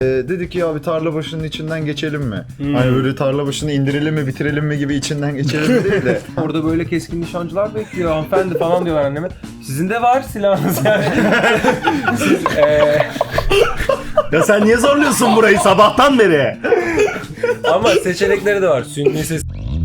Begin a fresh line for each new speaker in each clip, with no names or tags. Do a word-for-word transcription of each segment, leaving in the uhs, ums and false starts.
Ee, dedik ki ya bir tarla başının içinden geçelim mi?
Hmm.
Hani böyle tarla başını indirelim mi bitirelim mi gibi içinden geçelim mi değil de.
Orada böyle keskin nişancılar bekliyor hanımefendi falan diyorlar anneme. Sizin de var silahınız yani. Siz eee
Ya sen niye zorluyorsun burayı sabahtan beri?
ama seçenekleri de var. Sünni ses.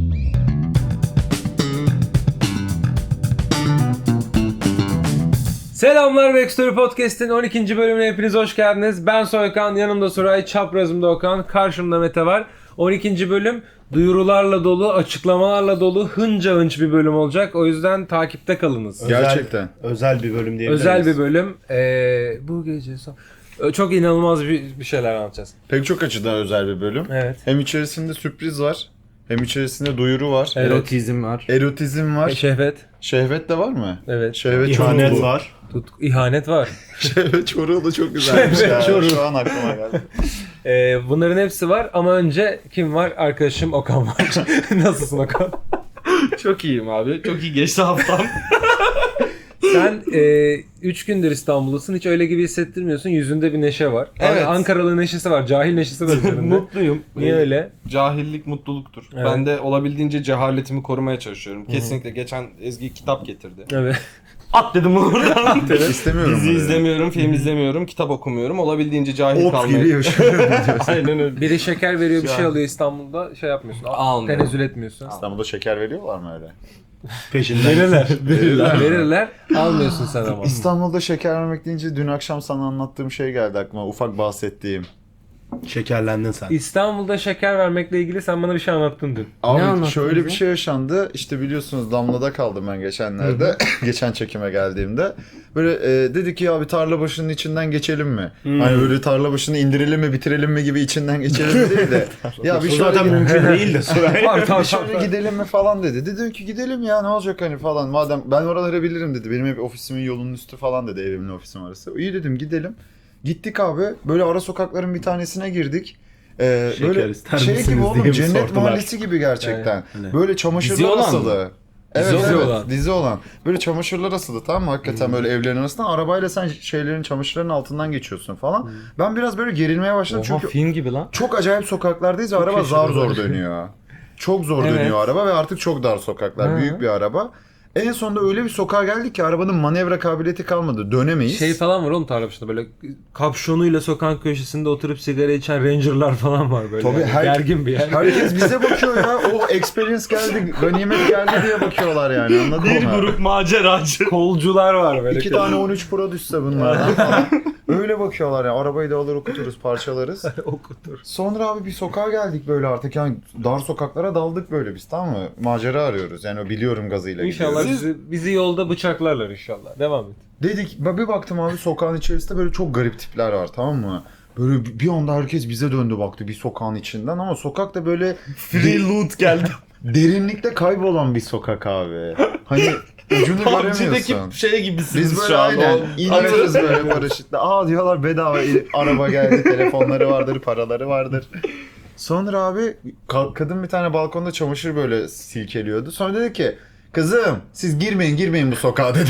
Selamlar Backstory Podcast'in on ikinci bölümüne hepiniz hoş geldiniz. Ben Soykan, yanımda Suray, çaprazımda Okan, karşımda Mete var. on ikinci bölüm duyurularla dolu, açıklamalarla dolu, hınca hınç bir bölüm olacak. O yüzden takipte kalınız.
Gerçekten.
Özel bir bölüm diyebiliriz.
Özel bir bölüm. Ee, bu gece son... Çok inanılmaz bir, bir şeyler anlatacağız.
Pek çok açıdan özel bir bölüm.
Evet.
Hem içerisinde sürpriz var. Hem içerisinde duyuru var.
Evet.
Erotizm var.
Erotizm var.
Şehvet.
Şehvet de var mı?
Evet.
Şehvet
İhanet
çoruğu.
var.
Tut, ihanet var.
Şehvet çoruğu da çok güzelmiş
Şehvet
ya.
çoruğu.
Şu an aklıma geldi.
Ee, bunların hepsi var ama önce kim var? Arkadaşım Okan var. Nasılsın Okan?
Çok iyiyim abi. Çok iyi geçti haftam.
Sen üç e, gündür İstanbul'dasın. Hiç öyle gibi hissettirmiyorsun. Yüzünde bir neşe var.
Evet.
Ankaralı neşesi var. Cahil neşesi var üzerinde.
Mutluyum.
Niye öyle?
Cahillik mutluluktur.
Evet.
Ben de olabildiğince cehaletimi korumaya çalışıyorum. Kesinlikle geçen Ezgi kitap getirdi.
Evet.
At dedim oradan.
İstemiyorum
Dizi
bunu.
izlemiyorum, film izlemiyorum, kitap okumuyorum. Olabildiğince cahil
Ot
kalmaya.
gibi yaşıyorum diyorsun.
Aynen öyle.
Biri şeker veriyor, bir
Şu
şey
an-
alıyor İstanbul'da. Şey yapmıyorsun.
Almıyorum.
Tenezzül etmiyorsun.
İstanbul'da şeker veriyorlar mı öyle?
Peşinden.
Verirler.
Verirler.
Verirler. Almıyorsun sen ama.
İstanbul'da şeker vermek deyince dün akşam sana anlattığım şey geldi aklıma. Ufak bahsettiğim.
Şekerlendin sen.
İstanbul'da şeker vermekle ilgili sen bana bir şey anlattın dün.
Abi
anlattın
şöyle bir
bize?
şey yaşandı. İşte biliyorsunuz Damla'da kaldım ben geçenlerde. Geçen çekime geldiğimde. Böyle e, dedik ki ya bir tarla başının içinden geçelim mi? Hani böyle tarla başını indirelim mi bitirelim mi gibi içinden geçelim mi değil de. ya bir
O
şöyle,
zaten mümkün değil de Suray.
Var, tamam,
bir şöyle
tamam.
gidelim mi falan dedi. Dedim ki gidelim ya ne olacak hani falan. Madem ben oraları bilirim dedi. Benim ev ofisimin yolunun üstü falan dedi, evimle ofisim arası. İyi dedim gidelim. Gittik abi. Böyle ara sokakların bir tanesine girdik. Ee,
Şeker
böyle
ister
şey
misiniz
gibi oğlum,
diye mi
cennet
sordular?
mahallesi gibi gerçekten.
Evet.
Böyle çamaşırlar
Dizi olan mı?
asılı. Evet,
Dizi
evet,
olan.
dizi olan. Böyle çamaşırlar asılı, tamam mı? Hakikaten böyle evlerin arasından arabayla sen şeylerin, çamaşırların altından geçiyorsun falan. Ben biraz böyle gerilmeye başladım
Oha,
çünkü
film gibi lan.
çok acayip sokaklardayız ve araba zar zor dönüyor. Çok zor
Evet.
dönüyor araba ve artık çok dar sokaklar.
Hı.
Büyük bir araba. En sonunda öyle bir sokağa geldik ki arabanın manevra kabiliyeti kalmadı. Dönemeyiz.
Şey falan var oğlum tarla başında böyle kapşonuyla sokak köşesinde oturup sigara içen rangerlar falan var böyle.
Tabii,
yani.
her-
Gergin bir yer.
Herkes bize bakıyor ya. O experience geldi, ganimet geldi diye bakıyorlar yani. Anladın
Bir
mı?
grup maceracı.
Kolcular var böyle.
İki tane on üç Pro düşse bunlardan falan. Öyle bakıyorlar ya. Arabayı da alır okuturuz, parçalarız.
okutur.
Sonra abi bir sokağa geldik böyle artık. Yani dar sokaklara daldık böyle biz, tamam mı? Macera arıyoruz. Yani o biliyorum gazıyla
İnşallah
gidiyoruz.
bizi, bizi yolda bıçaklarlar inşallah. Devam et.
Dedik, ben bir baktım abi sokağın içerisinde böyle çok garip tipler var, tamam mı? Böyle bir bir anda herkes bize döndü baktı bir sokağın içinden ama sokak da böyle
Free loot geldi.
derinlikte kaybolan bir sokak abi. Hani ucunu
PUBG'deki
göremiyorsun.
şey gibisiniz
Biz böyle
şu an.
aynen
O-
iniyoruz böyle paraşütle. Aa diyorlar bedava araba geldi, telefonları vardır, paraları vardır. Sonra abi ka- kadın bir tane balkonda çamaşır böyle silkeliyordu. Sonra dedi ki kızım siz girmeyin girmeyin bu sokağa dedi.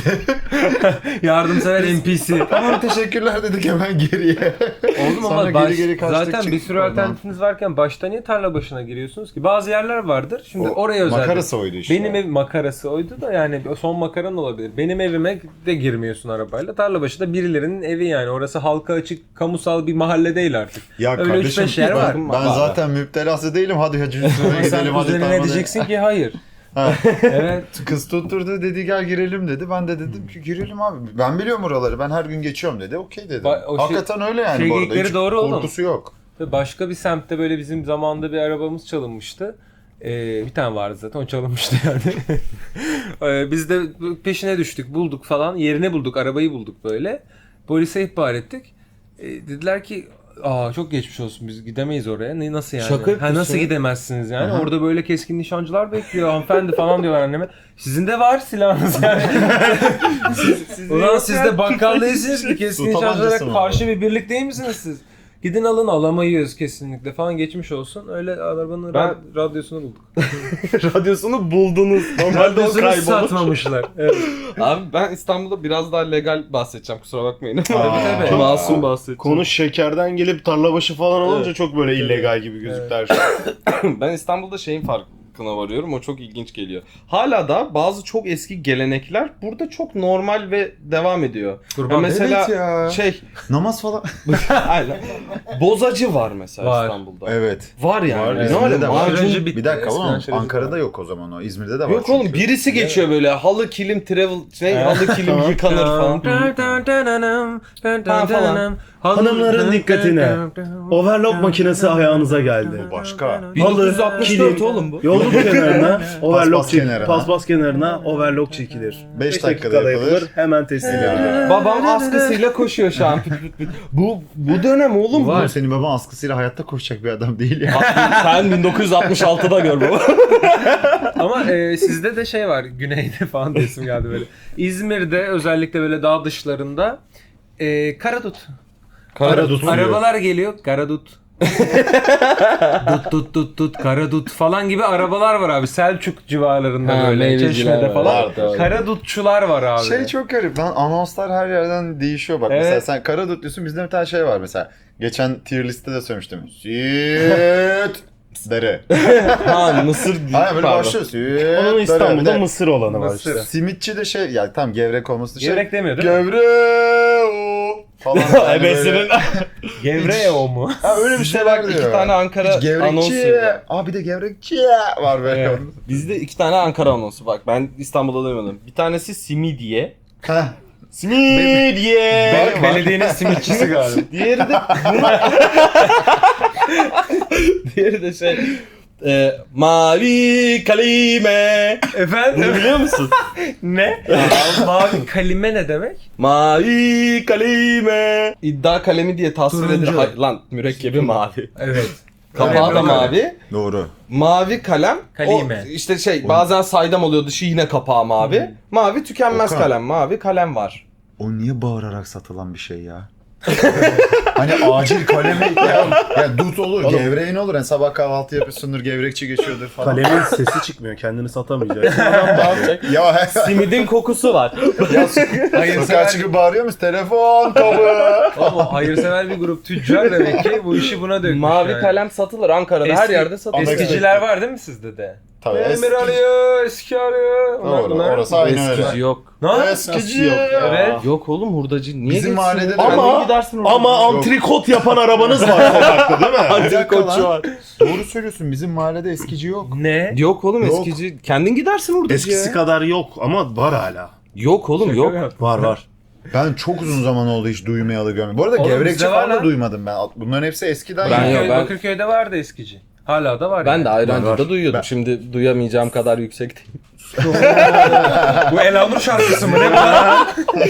Yardımsever N P C.
Tamam teşekkürler dedik hemen geriye.
Oğlum
Sonra
ama
geri
baş,
geri kaçtık,
zaten bir
çıktık
sürü
oradan.
alternatifiniz varken başta niye tarla başına giriyorsunuz ki? Bazı yerler vardır. Şimdi
O
oraya özel.
makarası oydu işte.
Benim ev makarası oydu da yani son makaran olabilir. Benim evime de girmiyorsun arabayla. Tarla başında birilerinin evi yani. Orası halka açık, kamusal bir mahalle değil artık.
Ya
Öyle üç
kardeşim
beş yer var.
ben
Var.
zaten müptelası değilim. Hadi hacı üstüne
Sen
gidelim hadi
kuzenine
tarlada.
diyeceksin ki hayır.
Ha.
Evet.
Kız tutturdu dedi gel girelim dedi. Ben de dedim ki girelim abi. Ben biliyorum oraları. Ben her gün geçiyorum dedi. Okey dedim.
Ba- o şey-
Hakikaten öyle yani
şey
bu arada.
geyikleri
Hiç
doğru oğlum.
korkusu yok.
Ve başka bir semtte böyle bizim zamanında bir arabamız çalınmıştı. Ee, bir tane vardı zaten o çalınmıştı yani. ee, biz de peşine düştük bulduk falan yerini bulduk arabayı bulduk böyle. Polise ihbar ettik. Ee, dediler ki aa çok geçmiş olsun biz gidemeyiz oraya. Ne nasıl yani?
Şaka
ha,
yapıyorsun
nasıl
ya.
gidemezsiniz yani?
Aha.
Orada böyle keskin nişancılar bekliyor hanımefendi falan diyorlar anneme. Sizin de var silahınız yani. siz, Ulan siz de bakkal değilsiniz ki keskin
Su tabancası
nişancılara
mı
karşı bir birlik değil misiniz siz? Gidin alın, alamayız kesinlikle falan, geçmiş olsun. Öyle arabanın
Ben-
ra- radyosunu bulduk.
Radyosunu buldunuz. Normalde o
Radyosunu
kaybolur.
satmamışlar. Evet.
Abi ben İstanbul'da biraz daha legal bahsedeceğim, kusura bakmayın.
Aa,
tabii.
çok-
Masum bahsedeceğim.
Konu şekerden gelip tarlabaşı falan olunca
Evet.
çok böyle illegal gibi gözüktü her şey.
Ben İstanbul'da şeyin farkına varıyorum. O çok ilginç geliyor. Hala da bazı çok eski gelenekler burada çok normal ve devam ediyor.
Kurban.
Ya mesela
Evet ya.
şey,
Namaz falan.
aynen. Bozacı var mesela
Var.
İstanbul'da.
Evet.
Var yani.
Var,
Ne
İzmir'de
öyle
de var.
macun-
Önce bitti.
Bir dakika
Eskiden
oğlum,
şöyle
Ankara'da
var.
yok o zaman o. İzmir'de de var.
Yok oğlum,
çünkü.
birisi geçiyor böyle halı kilim travel şey halı kilim yıkanır falan. Ha, falan.
Hanımların dikkatine. Overlock makinesi ayağınıza geldi.
Başka.
bin dokuz yüz altmış dört
kilim,
oğlum bu.
Yolluk kenarına overlock
Paspas
çek-
kenarına.
paspas kenarına overlock çekilir.
Beş
Beş
dakikada yapılır.
Hemen teslim edilir.
Babam askısıyla koşuyor şu an. bu bu dönem oğlum
Var.
Oğlum senin baban askısıyla hayatta koşacak bir adam değil ya.
bu. Sen bin dokuz yüz altmış altıda gör baba.
Ama e, sizde de şey var, güneyde falan da isim geldi böyle. İzmir'de özellikle böyle dağ dışlarında e, karadut.
Karadut suyu.
Arabalar geliyor, karadut. dut dut dut dut karadut falan gibi arabalar var abi. Selçuk civarlarında
Ha,
böyle,
meyveciler
Çeşme'de
var.
falan.
Var, doğru.
Karadutçular var abi.
Şey çok garip lan, anonslar her yerden değişiyor bak.
Evet.
Mesela sen Karadut diyorsun, bizde bir tane şey var mesela. Geçen tier liste de söylemiştim. Süt dere.
Ha Mısır değil.
Hayır böyle
Pardon.
başlıyor. Süt
Onun
dere.
İstanbul'da
Bir de
mısır olanı var
Mısır.
işte.
Simitçi de şey, yani tam gevrek olması şey.
Gevrek demiyor değil mi?
Gevrek falan. Yani
Ebesinin.
böyle-
Gevrek o mu?
Ha öyle bir
Bizde
şeyler
bak
diyor.
iki tane Ankara
Hiç gevrekçi.
anonsu var.
Aa bir de gevrekçi var böyle.
Evet.
Bizde iki tane Ankara anonsu bak, ben İstanbul'da duymadım. Bir tanesi Simidye.
Heh.
Simidye.
Bak, belediyenin simitçisi galiba.
Diğeri de Diğeri de şey e, Mavi Kalime.
Efendim?
Bunu biliyor musun?
Ne? Mavi kalime ne demek?
Mavi Kalime. İddia kalemi diye tasvir
Turuncu.
edilir. Hayır, lan mürekkebi mavi.
Evet.
Kapağı da
Öyle.
mavi.
Doğru.
Mavi kalem.
Kalime.
O işte şey bazen saydam oluyor, dışı yine kapağı mavi. Mavi tükenmez
Okan.
kalem. Mavi kalem var.
O niye bağırarak satılan bir şey ya? Hani acil kalemi ya, ya dut olur,
Oğlum.
gevreğin olur. Yani sabah kahvaltı yapıyorsundur, gevrekçi geçiyordur falan.
Kalemin sesi çıkmıyor. Kendini satamayacak. Adam bağıracak.
Ya
Simidin kokusu var.
ya sokağa
Hayırsever,
çıkıp bağırıyor musun? Telefon kabı.
Oğlum, hayırsever bir grup tüccar demek ki bu işi buna dökmüş
Mavi
yani.
kalem satılır Ankara'da, her
Eski-
yerde satılır.
Eskiciler var değil mi sizde de?
Tabii
Emir
eski.
alıyor, eski alıyor. Bunlar-
Doğru,
bunlar-
orası aynı öyle.
Eskici yok.
Ne?
Eskici.
yok ya?
Evet.
Yok oğlum, hurdacı. Niye
Bizim
geçsin
mahallede
ya?
de-
Kendin
Ama-
gidersin hurdacı.
Ama antrikot yapan arabanız var sokakta değil mi?
Antrikotçu var.
Doğru söylüyorsun, bizim mahallede eskici yok.
Ne?
Yok oğlum,
Yok.
eskici. Kendin gidersin hurdacı
Eskisi
ya.
kadar yok ama var hala.
Yok oğlum, yok.
Var var.
Ben çok uzun zaman oldu hiç duymayalı görmedim. Bu arada
Oğlum
gevrekçi
bizde var
falan da
lan.
duymadım ben. Bunların hepsi eskiden.
Ben
ya.
yok,
Bakırköy-
ben-
Bakırköy'de vardı eskici. Hala da var.
Ben
yani.
de Ayrancı'da
Var, var.
duyuyordum.
Ben-
Şimdi duyamayacağım kadar yüksek değil.
Bu Elanur şarkısı mı ne bu lan?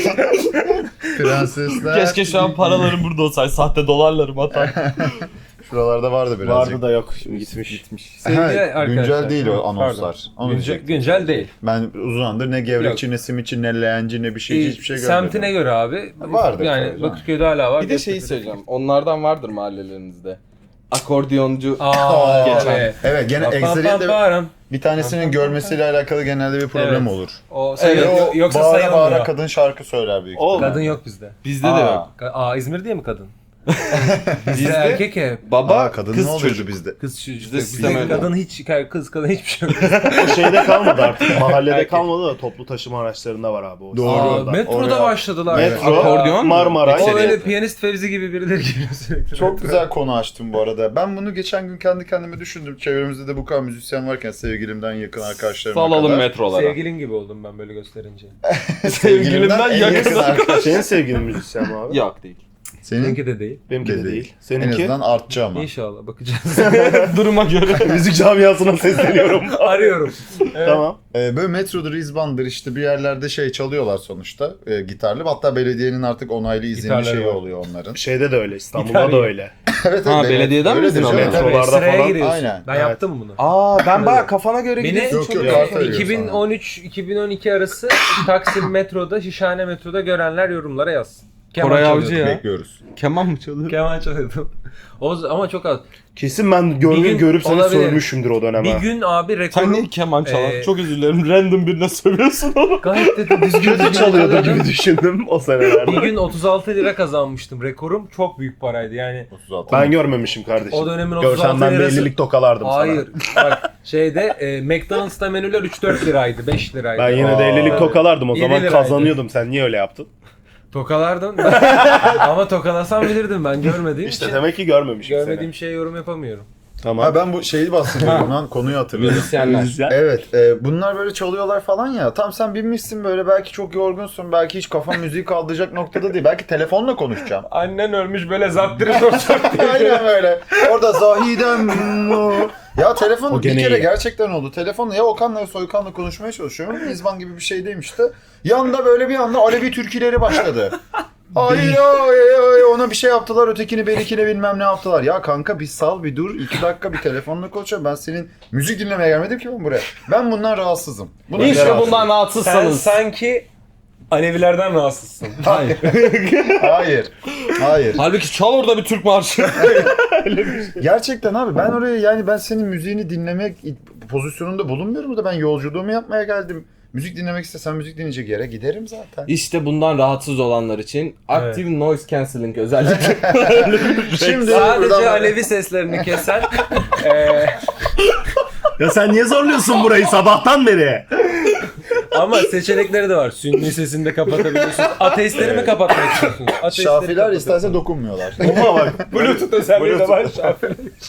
Prensesler.
Keşke şu an paralarım burada olsaydı. Sahte dolarlarım atar.
Şuralarda vardı birazcık.
Vardı da yok. Şimdi gitmiş. Gitmiş.
Sevgili
Ha,
arkadaşlar.
güncel değil o
Pardon.
anonslar. Onu
Güncel,
diyecektim.
güncel değil.
Ben uzun zamandır ne gevrekçi, ne simitçi, ne leğenci, ne bir şey, hiçbir şey görmedim.
Semtine göre abi.
Vardır
Yani
tabii,
Bakırköy'de hala var.
Bir de şeyi söyleyeceğim. Onlardan vardır mahallelerinizde. Akordiyoncu.
Aa,
Geçen.
evet.
Evet gene
Pa- pa-
Excel'in de
pa-
bir tanesinin görmesiyle alakalı genelde bir problem
Evet.
olur.
O sayı,
Evet, o
yoksa
bağıra
sayılmıyor.
bağıra kadın şarkı söyler büyük
Oğlum.
ihtimalle.
Kadın yok bizde.
Bizde de
Aa.
yok.
Ka- Aa İzmir diye mi kadın? Bizde
Bizde
erkek hep.
baba,
Aa, kadın
kız
ne oluyordu
çocuk.
bizde?
Kız çocuk.
Bizde
Bizde
sistem öyle.
kadın hiç, kız kadın hiçbir şey yok.
O şeyde kalmadı artık. Mahallede
Erkek.
kalmadı da toplu taşıma araçlarında var abi. O.
Doğru.
Aa,
Orada.
metroda
Oraya-
başladılar.
Metro,
Aa,
akordeon mu?
Marmaray.
O öyle
Ekseriyeti.
piyanist Fevzi gibi birileri geliyor sürekli.
Çok güzel konu açtım bu arada. Ben bunu geçen gün kendi kendime düşündüm. Çevremizde de bu kadar müzisyen varken sevgilimden yakın arkadaşlarıma
Salalım
kadar.
metrolara.
Sevgilin gibi oldum ben böyle gösterince.
Sevgilimden
en
yakın
yakın arkadaş.
Senin sevgilin müzisyen mi abi?
Yok değil.
Senin
Seninki de değil.
Benimki de
de
değil.
değil. En
Seninki?
azından artçı ama.
İnşallah bakacağız.
Duruma göre.
Müzik camiasına sesleniyorum.
Arıyorum.
Tamam.
Ee, böyle metrodur, izbandır işte bir yerlerde şey çalıyorlar sonuçta e, gitarlı. Hatta belediyenin artık onaylı izinli
Gitarları
şeyi
var.
oluyor onların.
Şeyde de öyle. İstanbul'da
İtalya.
da öyle.
evet,
Ha,
evet,
belediyeden mi
öyle
izin
de
alıyorsun?
şey-
Metrolarda
Sıraya
falan.
giriyorsun.
Aynen.
Ben
Evet.
yaptım bunu.
Aa ben baya kafana göre
Beni
gidiyorsun.
Yok,
çok
yok,
iyi.
kart veriyor
iki bin on üç iki bin on iki arası Taksim metroda, Şişhane metroda görenler yorumlara yazsın. Keman
Koray
çalıyordum.
Avcı ya.
Bekliyoruz.
Keman mı çalıyor?
Keman çalıyordum. O, z- ama çok az.
Kesin ben gör,
Bir gün
görüp seni
olabilir.
sövmüşümdür o döneme.
Bir gün abi rekorum...
Sen niye keman çalar?
Ee,
Çok özür dilerim. Random birine sövüyorsun onu.
Gayet de düzgün
Kötü
düzgün
çalıyordu
çalıyordum.
gibi düşündüm o senelerde.
Bir gün otuz altı lira kazanmıştım. Rekorum çok büyük paraydı yani.
otuz altı.
Ben görmemişim kardeşim.
O dönemin otuz
Görsen
altı
ben bir
lirası.
ellilik tokalardım
Hayır. Bak şeyde e, McDonald's'ta menüler üç dört liraydı, beş liraydı.
sana. Ben yine de
Aa.
ellilik tokalardım o
Yedi
zaman
liraydı.
kazanıyordum. Sen niye öyle yaptın?
Tokalardım. Ama tokalasam bilirdim ben görmediğim
İşte
için.
demek ki görmemişim
Görmediğim şeye yorum yapamıyorum.
seni. Tamam.
Ha ben bu şeyi bahsediyorum lan konuyu hatırlıyorum.
Müzisyenler.
Müzisyen.
Evet, e, bunlar böyle çalıyorlar falan ya. Tam sen binmişsin böyle belki çok yorgunsun, belki hiç kafan müziği kaldıracak noktada değil. Belki telefonla konuşacağım.
Annen ölmüş böyle zattırı soracak diye.
Aynen böyle. Orada Zahidem o. Ya telefon
O
bir
gene
kere
iyi.
gerçekten oldu. Telefonla ya Okan'la ya Soykan'la konuşmaya çalışıyorum. İzban gibi bir şeydeyim işte. Yanda böyle bir anda Alevi türküleri başladı. Ay ay ay ona bir şey yaptılar, ötekini berikine bilmem ne yaptılar. Ya kanka bir sal bir dur, iki dakika bir telefonla konuşalım. Ben senin müzik dinlemeye gelmedim ki ben buraya. Ben bundan rahatsızım. Bundan
İşte
rahatsızım.
bundan
Sen
rahatsızsanız.
sanki Alevilerden rahatsızsın.
Hayır. Hayır. Hayır.
Halbuki çal orada bir Türk marşı.
Gerçekten abi ben oraya yani ben senin müziğini dinlemek pozisyonunda bulunmuyorum da ben yolculuğumu yapmaya geldim. Müzik dinlemek istesem müzik dinleyecek yere giderim zaten.
İşte bundan rahatsız olanlar için Active Noise Cancelling özellikle.
Şimdi
Sadece
buradan-
Alevi seslerini kesen eee
Ya sen niye zorluyorsun burayı sabahtan beri?
ama seçenekleri de var. Sünni sesini de kapatabiliyorsunuz. Ateistleri mi
Evet.
kapatmak istiyorsunuz? Ateistleri
Şafiler
kapatın.
isterse dokunmuyorlar.
Ama bak.
Bluetooth özelliği de var
Bluetooth.
Şafiler için.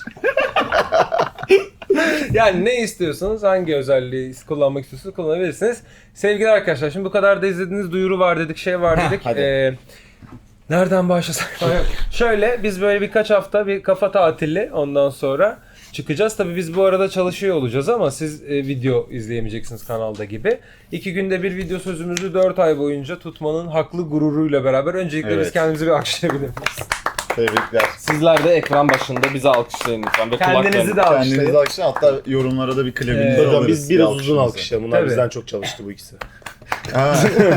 Yani ne istiyorsanız, hangi özelliği kullanmak istiyorsanız kullanabilirsiniz. Sevgili arkadaşlar, şimdi bu kadar da izlediğiniz duyuru var dedik, şey var dedik.
hadi.
Ee, nereden başlasak? Şöyle, biz böyle birkaç hafta bir kafa tatili ondan sonra çıkacağız. Tabii biz bu arada çalışıyor olacağız ama siz e, video izleyemeyeceksiniz kanalda gibi. İki günde bir video sözümüzü dört ay boyunca tutmanın haklı gururuyla beraber öncelikle
Evet.
biz kendimizi bir alkışlayabilir miyiz?
Tebrikler.
Sizler de ekran başında bizi alkışlayın lütfen. Ve
Kendinizi
kulaklarını-
de alkışlayın.
Kendinizi alkışlayın. Hatta yorumlara da bir klibinizi
Ee,
alırız.
Hocam biz biraz
bir
uzun
alkışınızı.
alkışlayalım. Bunlar
Tabii.
bizden çok çalıştı bu ikisi.
Ha.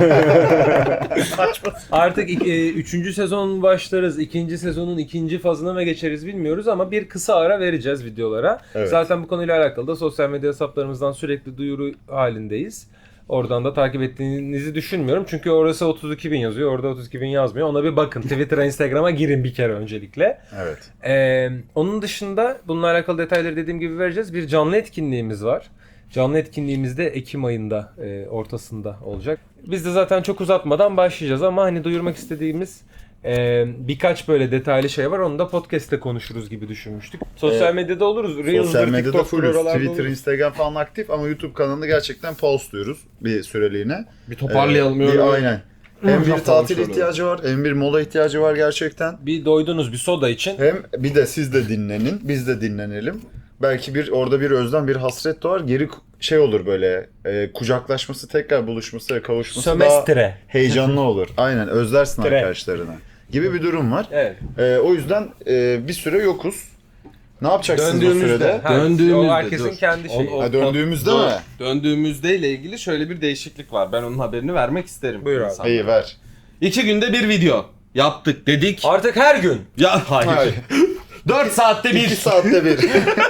Artık ik- e, üçüncü sezon başlarız. İkinci sezonun ikinci fazına mı geçeriz bilmiyoruz ama bir kısa ara vereceğiz videolara.
Evet.
Zaten bu konuyla alakalı da sosyal medya hesaplarımızdan sürekli duyuru halindeyiz. Oradan da takip ettiğinizi düşünmüyorum. Çünkü orası otuz iki bin yazıyor. Orada otuz iki bin yazmıyor. Ona bir bakın. Twitter'a, Instagram'a girin bir kere öncelikle.
Evet.
Ee, onun dışında bununla alakalı detayları dediğim gibi vereceğiz. Bir canlı etkinliğimiz var. Canlı etkinliğimiz de Ekim ayında e, ortasında olacak. Biz de zaten çok uzatmadan başlayacağız ama hani duyurmak istediğimiz e, birkaç böyle detaylı şey var. Onu da podcast'te konuşuruz gibi düşünmüştük. Sosyal
Evet.
medyada oluruz.
Sosyal
Reels'dır,
medyada
TikTok'tur,
fullüz.
oralarda
Twitter,
oluruz.
Instagram falan aktif ama YouTube kanalında gerçekten postluyoruz bir süreliğine.
Bir toparlayalım.
Ee,
öyle.
bir, aynen. Hem bir
Yapalım
tatil
şöyle.
ihtiyacı var, hem bir mola ihtiyacı var gerçekten.
Bir doydunuz bir soda için.
Hem bir de siz de dinlenin, biz de dinlenelim. Belki bir orada bir özlem, bir hasret doğar. Geri ku- şey olur böyle, e, kucaklaşması, tekrar buluşması ve kavuşması daha
Sömestre.
heyecanlı olur. Aynen, özlersin
Tre.
arkadaşlarına gibi bir durum var.
Evet.
E, o yüzden e, bir süre yokuz. Ne yapacaksınız bu
Döndüğümüzde.
sürede?
Ha,
Döndüğümüzde,
o herkesin
dur.
kendi şeyi.
O- o-
Ha, döndüğümüzde
Dur.
mi?
Döndüğümüzde ile ilgili şöyle bir değişiklik var. Ben onun haberini vermek isterim.
Buyur abi.
insanlara.
İyi ver.
İki günde bir video yaptık dedik.
Artık her gün.
Ya hayır.
Hayır.
Dört saatte bir.
İki saatte bir.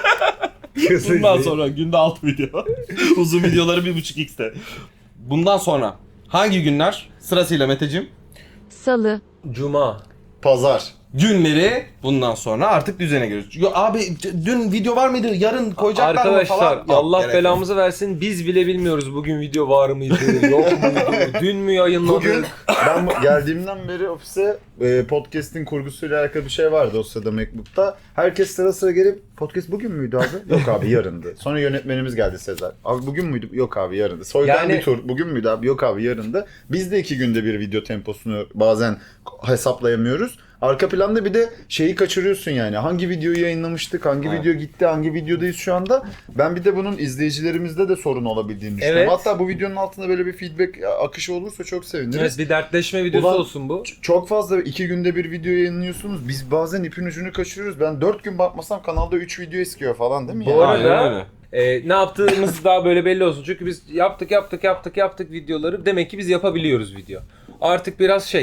Bundan sonra günde altı video. Uzun videoları bir buçuk x'te. Bundan sonra hangi günler? Sırasıyla Meteciğim.
Salı,
Cuma.
Pazar.
Günleri bundan sonra artık düzene giriyoruz. Yo, abi c- dün video var mıydı? Yarın koyacaklar mı
Arkadaşlar
falan? Yok,
Allah
gerek yok.
belamızı versin. Biz bile bilmiyoruz bugün video var mıydı, yok muydu, dün mü yayınladık?
Bugün ben bu- geldiğimden beri ofise e, podcast'in kurgusuyla alakalı bir şey vardı o sırada MacBook'ta. Herkes sıra sıra gelip podcast bugün müydü abi? Yok abi yarındı. Sonra yönetmenimiz geldi Sezer. Abi bugün müydü? Yok abi yarındı. Soykan
Yani-
bir tur. Bugün müydü abi? Yok abi yarındı. Biz de iki günde bir video temposunu bazen hesaplayamıyoruz. Arka planda bir de şeyi kaçırıyorsun yani. Hangi videoyu yayınlamıştık, hangi
Evet.
video gitti, hangi videodayız şu anda. Ben bir de bunun izleyicilerimizde de sorun olabildiğini düşünüyorum.
Evet.
Hatta bu videonun altında böyle bir feedback akışı olursa çok seviniriz.
Evet, bir dertleşme videosu
Ulan-
olsun bu.
Ç- Çok fazla iki günde bir video yayınlıyorsunuz. Biz bazen ipin ucunu kaçırıyoruz. Ben dört gün bakmasam kanalda üç video eskiyor falan değil mi?
Bu
yani?
arada-
Aynen öyle.
Ee, ne yaptığımız daha böyle belli olsun. Çünkü biz yaptık yaptık yaptık yaptık videoları. Demek ki biz yapabiliyoruz video. Artık biraz şey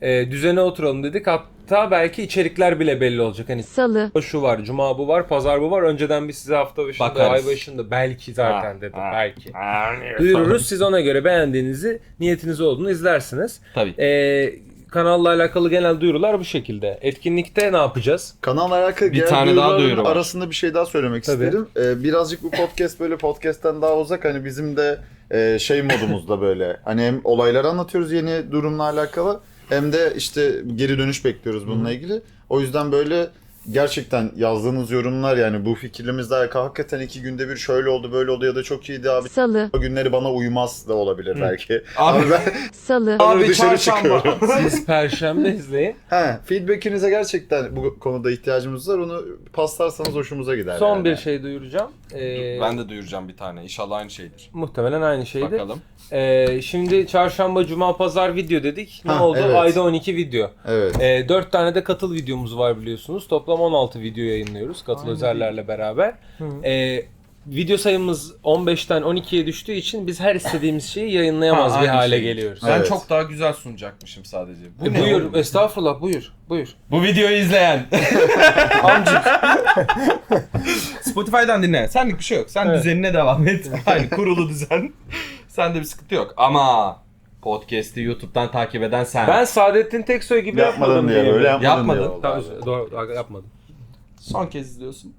E, düzene oturalım dedik. Hatta belki içerikler bile belli olacak. Hani
Salı,
şu var, cuma bu var, pazar bu var. Önceden biz size hafta başında,
Bakarız.
ay başında belki zaten
Ha,
dedim.
ha,
Belki.
ha,
Duyururuz. Siz ona göre beğendiğinizi, niyetiniz olduğunu izlersiniz.
Tabii.
E, kanalla alakalı genel duyurular bu şekilde. Etkinlikte ne yapacağız?
Kanalla alakalı
Bir
genel
tane daha
duyuruların
duyuru var.
arasında bir şey daha söylemek
Tabii.
isterim. Ee, birazcık bu podcast böyle podcast'ten daha uzak. Hani bizim de e, şey modumuzda böyle. Hani hem olayları anlatıyoruz yeni durumla alakalı hem de işte geri dönüş bekliyoruz bununla ilgili. O yüzden böyle gerçekten yazdığınız yorumlar yani bu fikirlerimizle alakalı hakikaten iki günde bir şöyle oldu böyle oldu ya da çok iyiydi abi.
salı,
O günleri bana uymaz da olabilir belki.
Abi,
Abi ben
salı,
abi
dışarı
çarşamba.
çıkıyorum.
Siz Perşembe izleyin.
He, feedback'inize gerçekten bu konuda ihtiyacımız var. Onu paslarsanız hoşumuza gider.
Son
yani.
bir şey duyuracağım. Ee,
Ben de duyuracağım bir tane. İnşallah aynı şeydir.
Muhtemelen aynı şeydi.
Bakalım.
Ee, şimdi çarşamba, cuma, pazar video dedik. Ne
Ha,
oldu?
evet.
Ayda on iki video.
Evet.
Ee, dört tane de katıl videomuz var biliyorsunuz. Toplam on altı video yayınlıyoruz katıl özellerle beraber. Ee, video sayımız on beşten on ikiye düştüğü için biz her istediğimiz şeyi yayınlayamaz
Ha,
bir
aynı
hale
şey.
geliyoruz.
Ben
Evet.
çok daha güzel sunacakmışım sadece. Bu
E,
ne
buyur,
oğlum?
estağfurullah buyur, buyur.
Bu videoyu izleyen.
Amcık.
Spotify'dan dinle. Senlik bir şey yok. Sen
Evet.
düzenine devam et. Aynı kurulu düzen. Sende bir sıkıntı yok. Ama podcast'i YouTube'dan takip eden sen.
Ben Saadettin Teksoy gibi
Yapmadın
yapmadım
diye
diye.
böyle yapmadın,
Yapmadın.
diye oldu
Tamam,
abi.
doğru, doğru, yapmadım.
Son kez izliyorsun.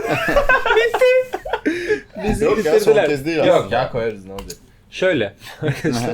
Bizi
Yok ya son
bitirdiler.
kez değil
Yok
aslında.
ya koyarız ne olacak.
Şöyle arkadaşlar.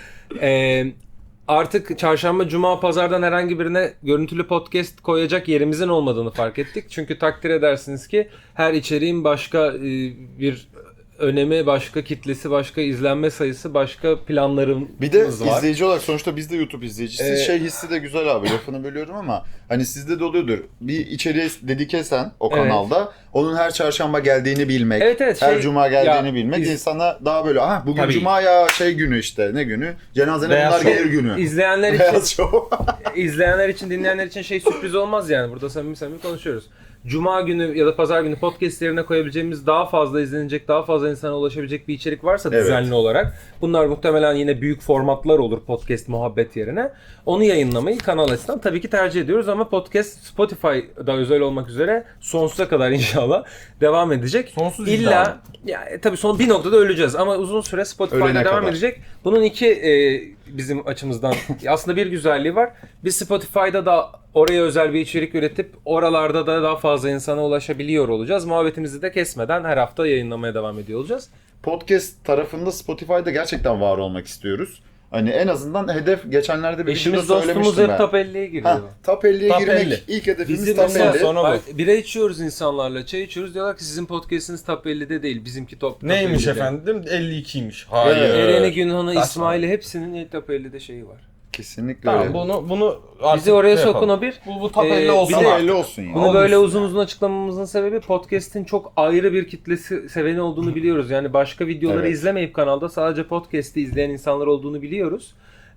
Ee, artık çarşamba, cuma, pazardan herhangi birine görüntülü podcast koyacak yerimizin olmadığını fark ettik. Çünkü takdir edersiniz ki her içeriğin başka e, bir önemi, başka kitlesi, başka izlenme sayısı, başka planlarımız
Bir de
var.
izleyici olarak sonuçta biz de YouTube izleyicisi.
Ee,
şey hissi de güzel abi lafını bölüyorum ama hani sizde de oluyordur. Bir içeriğe dedike sen o
Evet.
kanalda onun her çarşamba geldiğini bilmek.
Evet, evet,
her
şey-
cuma geldiğini
ya,
bilmek
iz-
insana daha böyle ah bugün
Tabii.
cuma ya şey günü işte ne günü? Cenazene
Beyaz
bunlar
şov.
gelir günü.
İzleyenler için
Beyaz şov.
İzleyenler için, dinleyenler için şey sürpriz olmaz yani. Burada samimi samimi konuşuyoruz. Cuma günü ya da pazar günü podcast yerine koyabileceğimiz daha fazla izlenecek, daha fazla insana ulaşabilecek bir içerik varsa
Evet.
düzenli olarak. Bunlar muhtemelen yine büyük formatlar olur podcast muhabbet yerine. Onu yayınlamayı kanal açısından tabii ki tercih ediyoruz ama podcast Spotify'da özel olmak üzere sonsuza kadar inşallah devam edecek.
Sonsuz
İlla
iddia.
ya e, tabii son bir noktada öleceğiz ama uzun süre Spotify'da
Ölene
devam
kadar.
edecek. Bunun iki e, bizim açımızdan aslında bir güzelliği var. Biz Spotify'da da oraya özel bir içerik üretip oralarda da daha fazla insana ulaşabiliyor olacağız. Muhabbetimizi de kesmeden her hafta yayınlamaya devam ediyor olacağız.
Podcast tarafında Spotify'da gerçekten var olmak istiyoruz. Hani en azından hedef geçenlerde bir
Eşimiz
videoda
dostumuz
söylemiştim
hep
ben.
top elliye giriyor.
Ha, top elliye
Top
girmek
elli.
ilk hedefimiz
Bizim
top
mesela
elli.
sonra-
Bak, bira içiyoruz insanlarla, çay içiyoruz. Diyorlar ki sizin podcast'iniz top ellide değil, bizimki top, top
Neymiş
ellide.
efendim? elli ikiymiş.
Hayır.
Hayır.
Eren'i, Günhan'ı,
Saçma.
İsmail'i hepsinin top ellide şeyi var.
Kesinlikle
Tamam
öyle.
bunu bunu artık
Bizi oraya
şey
sokun
yapalım.
o bir.
Bu, bu top
Ee,
elli
bir
olsun
de-
Top
artık.
elli olsun ya.
Bunu
Olmuş
böyle
ya.
uzun uzun açıklamamızın sebebi podcast'in çok ayrı bir kitlesi seveni olduğunu biliyoruz. Yani başka videoları
Evet.
izlemeyip kanalda sadece podcast'i izleyen insanlar olduğunu biliyoruz.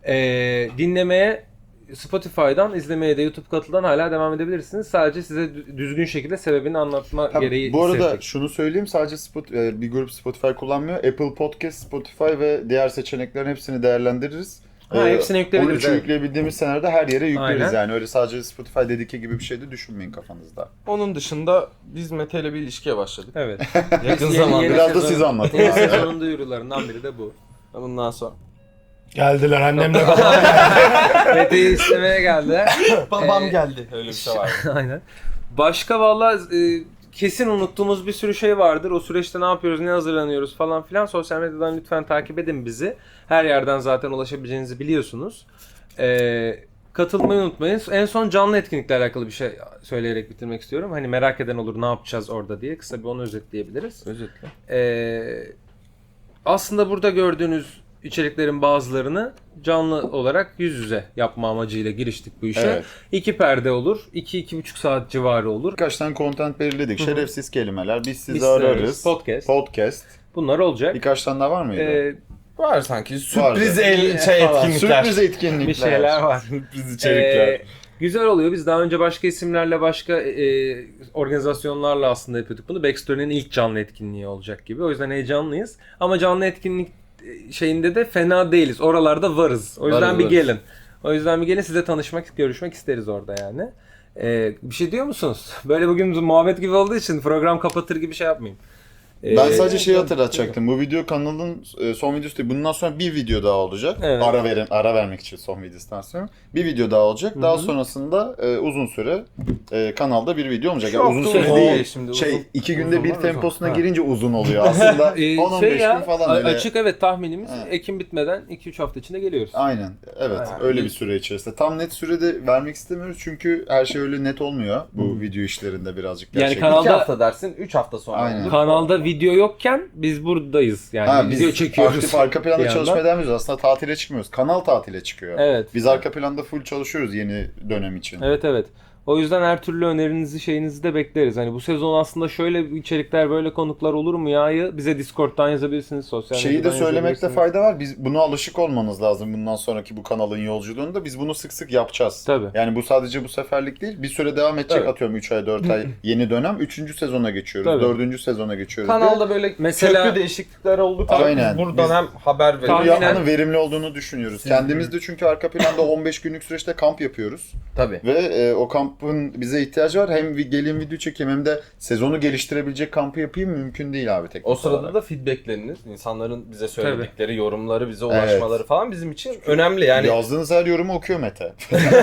Ee, dinlemeye Spotify'dan, izlemeye de YouTube katıldan hala devam edebilirsiniz. Sadece size dü- düzgün şekilde sebebini anlatma
Ha,
gereği
bu arada
hissettik.
şunu söyleyeyim sadece Spot, e, bir grup Spotify kullanmıyor. Apple Podcast, Spotify ve diğer seçeneklerin hepsini değerlendiririz.
Ha,
Ee,
hepsini yükleyebiliriz,
on üçü
evet.
yükleyebildiğimiz senaryoda her yere yükleriz
Aynen.
yani. Öyle sadece Spotify dedike gibi bir şey de düşünmeyin kafanızda.
Onun dışında biz Mete ile bir ilişkiye başladık.
Evet.
Yakın
Yeni-
zamanda.
yeni
Biraz da
sezon-
siz anlatın.
Yeni sezonun duyurularından biri de bu.
Bundan sonra.
Geldiler annemle babam.
Mete'yi istemeye geldi.
Babam
Ee,
geldi. Öyle bir şey var.
Aynen. Başka valla e, kesin unuttuğumuz bir sürü şey vardır. O süreçte ne yapıyoruz, ne hazırlanıyoruz falan filan. Sosyal medyadan lütfen takip edin bizi. Her yerden zaten ulaşabileceğinizi biliyorsunuz. E, katılmayı unutmayın. En son canlı etkinlikle alakalı bir şey söyleyerek bitirmek istiyorum. Hani merak eden olur ne yapacağız orada diye. Kısa bir onu özetleyebiliriz.
Özetle.
E, aslında burada gördüğünüz içeriklerin bazılarını canlı olarak yüz yüze yapma amacıyla giriştik bu işe.
Evet.
İki perde olur. iki iki buçuk saat civarı olur.
Birkaç tane content belirledik. Şerefsiz kelimeler. Biz sizi
Biz
ararız.
ararız. Podcast.
Podcast.
Bunlar olacak.
Birkaç tane daha var mıydı?
Ee,
Var sanki. Sürpriz
Vardı.
el şey
Falan.
etkinlikler.
Sürpriz etkinlikler.
bir şeyler var.
Sürpriz içerikler.
Ee, güzel oluyor. Biz daha önce başka isimlerle, başka e, organizasyonlarla aslında yapıyorduk bunu. Backstory'nin ilk canlı etkinliği olacak gibi. O yüzden heyecanlıyız. Ama canlı etkinlik şeyinde de fena değiliz. Oralarda varız. O yüzden
Varız,
bir
varız.
gelin. O yüzden bir gelin size tanışmak, görüşmek isteriz orada yani. Ee, bir şey diyor musunuz? Böyle bugün muhabbet gibi olduğu için program kapatır gibi şey yapmayayım. Ee,
Ben sadece şeyi hatırlatacaktım. Bu video kanalın e, son videosu değil. Bundan sonra bir video daha olacak.
Evet.
Ara verin, ara vermek için son videosundan sonra. Bir video daha olacak. Daha
Hı hı.
sonrasında e, uzun süre e, kanalda bir video olmayacak.
Çok
Yani uzun
da
süre
uzun
değil.
değil şimdi,
Şey
uzun-
iki
uzun
günde bir
var, uzun.
temposuna
Ha.
girince uzun oluyor. Aslında
Ee,
on on
şey
beş
ya,
gün falan
a-
öyle.
açık evet tahminimiz
Ha.
Ekim bitmeden iki üç hafta içinde geliyoruz.
Aynen. Evet.
Aynen.
Öyle bir süre içerisinde. Tam net sürede vermek istemiyoruz çünkü her şey öyle net olmuyor. Bu video işlerinde birazcık
Yani
gerçekten.
kanal-
İki
Kanalda-
hafta dersin, üç hafta sonra.
Aynen.
olur.
Kanalda video yokken biz buradayız. Yani
Ha,
video
biz
çekiyoruz.
aktif arka planda
bir
çalışmaya
yandan.
devam ediyoruz. Aslında tatile çıkmıyoruz. Kanal tatile çıkıyor.
Evet.
Biz arka planda full çalışıyoruz yeni dönem için.
Evet evet. O yüzden her türlü önerinizi şeyinizi de bekleriz. Hani bu sezon aslında şöyle içerikler böyle konuklar olur mu ya'yı bize Discord'dan yazabilirsiniz. Sosyal
Şeyi de
medyadan
söylemekte
yazabilirsiniz.
fayda var. Biz buna alışık olmanız lazım bundan sonraki bu kanalın yolculuğunda. Biz bunu sık sık yapacağız.
Tabii.
Yani bu sadece bu seferlik değil. Bir süre devam edecek
Evet.
atıyorum üç ay dört ay yeni dönem. üçüncü sezona geçiyoruz.
Tabii.
dördüncü sezona geçiyoruz.
Kanalda böyle
Mesela-
köklü değişiklikler oldukça
Aynen.
biz buradan
Biz-
hem haber
Bunu
veriyoruz.
Tahminen-
yapmanın verimli olduğunu düşünüyoruz. Kendimiz de çünkü arka planda on beş günlük süreçte kamp yapıyoruz.
Tabii.
Ve e, o kampın bize ihtiyacı var. Hem bir gelin video çekeyim hem de sezonu geliştirebilecek kampı yapayım mümkün değil abi teknik
O sırada
olarak.
da feedbackleriniz, insanların bize söyledikleri, yorumları, bize ulaşmaları
Evet.
falan bizim için önemli yani.
Yazdığınız her yorumu okuyor Mete.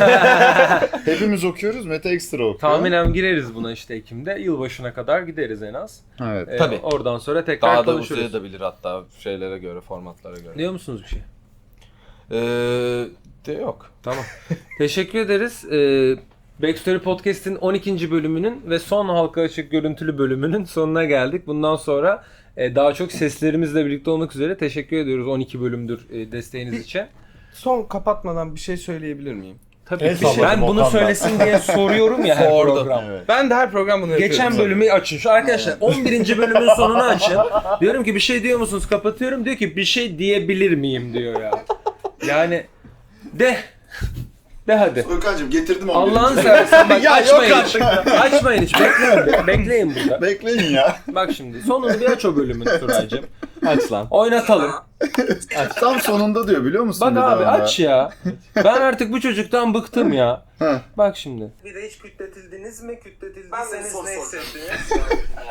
Hepimiz okuyoruz, Mete ekstra okuyor.
Tahminen gireriz buna işte Ekim'de. Yılbaşına kadar gideriz en az.
Evet.
Ee,
Tabii.
Oradan sonra tekrar
Daha da
konuşuruz.
uzayabilir hatta şeylere göre, formatlara göre.
Diyor musunuz bir şey?
Ee, de yok.
Tamam. Teşekkür ederiz. Ee, Backstory Podcast'in on ikinci bölümünün ve son halka açık görüntülü bölümünün sonuna geldik. Bundan sonra e, daha çok seslerimizle birlikte olmak üzere teşekkür ediyoruz on iki bölümdür e, desteğiniz için.
Son kapatmadan bir şey söyleyebilir miyim?
Tabii
El
ki. Ben
salladım
bunu
Okan'dan.
söylesin diye soruyorum ya her
Sordu.
program.
Evet.
Ben de her program bunu yapıyorum.
Geçen bölümü açın. Şu arkadaşlar on birinci bölümün sonunu açın. Diyorum ki bir şey diyor musunuz? Kapatıyorum. Diyor ki bir şey diyebilir miyim diyor ya. Yani de. De hadi.
Urkancığım getirdim onu.
Allah'ını seversen bak
Ya
açmayın
yok
hiç. Açmayın hiç. Bekleyin. Bekleyin burada.
Bekleyin ya.
Bak şimdi sonunu bir aç o bölümün Turay'cığım.
Aç lan.
Oynatalım.
Tam sonunda diyor biliyor musun?
Bak
bir
abi
daha da?
aç ya. Ben artık bu çocuktan bıktım ya.
Heh.
Bak şimdi.
Bir de hiç kütletildiniz mi? Kütletildiyseniz
Ben de soru
ne
soracağım.
hissettiniz?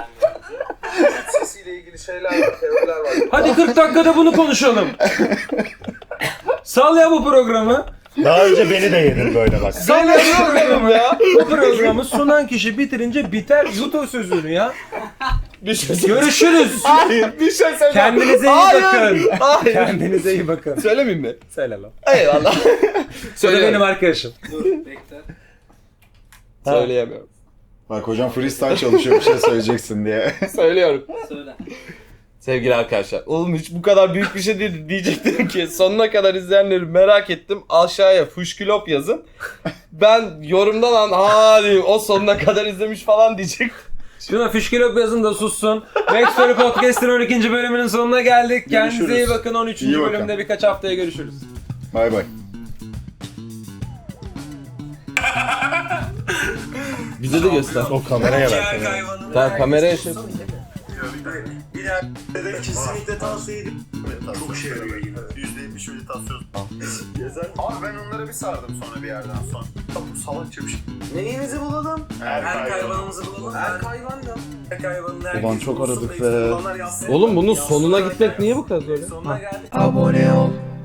Sesiyle ilgili şeyler var, teoriler var.
Hadi kırk dakikada bunu konuşalım. Sal ya bu programı.
Daha önce beni de yedin böyle bak.
Sal ya bu programı ya. Bu programı sunan kişi bitirince biter yut o sözünü ya. Görüşürüz.
Hayır, bir şey söyleyeceğim.
Kendinize iyi
Hayır,
bakın.
Hayır.
Kendinize iyi bakın.
Söylemeyeyim mi?
Söyle lan.
Eyvallah.
Bu da
Söyleyemem.
benim arkadaşım.
Dur, bekle.
Söyleyemiyorum.
Bak hocam freestyle çalışıyor bir şey söyleyeceksin diye.
Söylüyorum.
Söyle.
Sevgili arkadaşlar, oğlum hiç bu kadar büyük bir şey değildi. Diyecektim ki sonuna kadar izleyenleri merak ettim. Aşağıya fuşkülop yazın. Ben yorumdan an ha diyeyim, o sonuna kadar izlemiş falan diyecektim.
Şuna fışkırıp yazın da sussun. Backstory Podcast'ın on ikinci bölümünün sonuna geldik. Kendinize iyi
Görüşürüz.
bakın. on üçüncü
İyi bakın.
bölümde birkaç haftaya görüşürüz.
Bay bay.
Bize de göster.
O kameraya ver. kameraya.
hayvanın
Tamam, kameraya şey-
Bir de kesinlikle tavsiye ederim.
Çok şey yarıyor yine. yüzde yetmiş meditasyon. Abi ben onlara bir sardım sonra bir yerden sonra. Bu salakça bir şey.
Neyimizi bulalım?
Erk
Erk
hayvanı.
hayvanımızı bulalım. Erk hayvan da. Erk hayvanın herkes
Ulan çok
bulsun,
aradık
bekliyor,
be.
olanlar yazsın.
Oğlum bunun
Yazsın,
sonuna
herkes.
gitmek niye bu kadar zor ya?
Sonuna geldik.
Abone ol.